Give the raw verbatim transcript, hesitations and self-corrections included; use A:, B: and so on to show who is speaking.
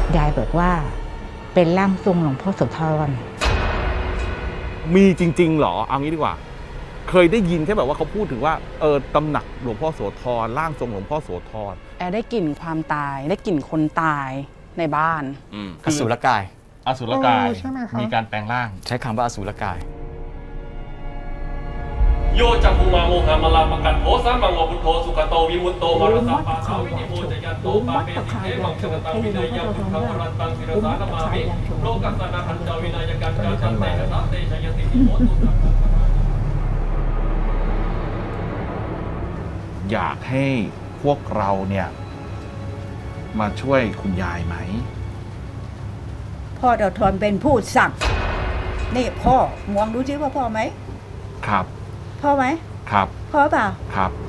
A: ยายบอกว่าเป็นร่างทรงหลวงพ่อโสธร
B: มีจริงๆเหรอเอางี้ดีกว่าเคยได้ยินแค่แบบว่าเขาพูดถึงว่าเออตำหนักหลวงพ่อโสธรร่างทรงหลวงพ่อโสธร
C: แอร์ได้กลิ่นความตายได้กลิ่นคนตายในบ้าน
D: อสูรกาย
B: อสุรกาย
E: เออใช่ไหมคะ
B: มีการแปลงร่าง
D: ใช้คำว่าอสูรกาย
F: โยจักขุมาโมหามาลาปะกัดโหสามังโอพุทโธสุขโตวิมุตโตมรสาปาทาวินิโมจยันโตปาเปติเทมังสกตังวินัยยังพุทธังวรันตังศิรสานามามิโลกัสสนาหันจาวินัยกันการจันเตนะสาเตชยติโหตุสัพพะ
B: อยากให้พวกเราเนี่ยมาช่วยคุณยายไหม
G: พ่อเราทนเป็นผู้สั่งนี่พ่อมองดูซิว่าพ่อไหม
B: ครับ
G: พ่อไหม
B: ครับ
G: พ่อเปล่า
B: ครับ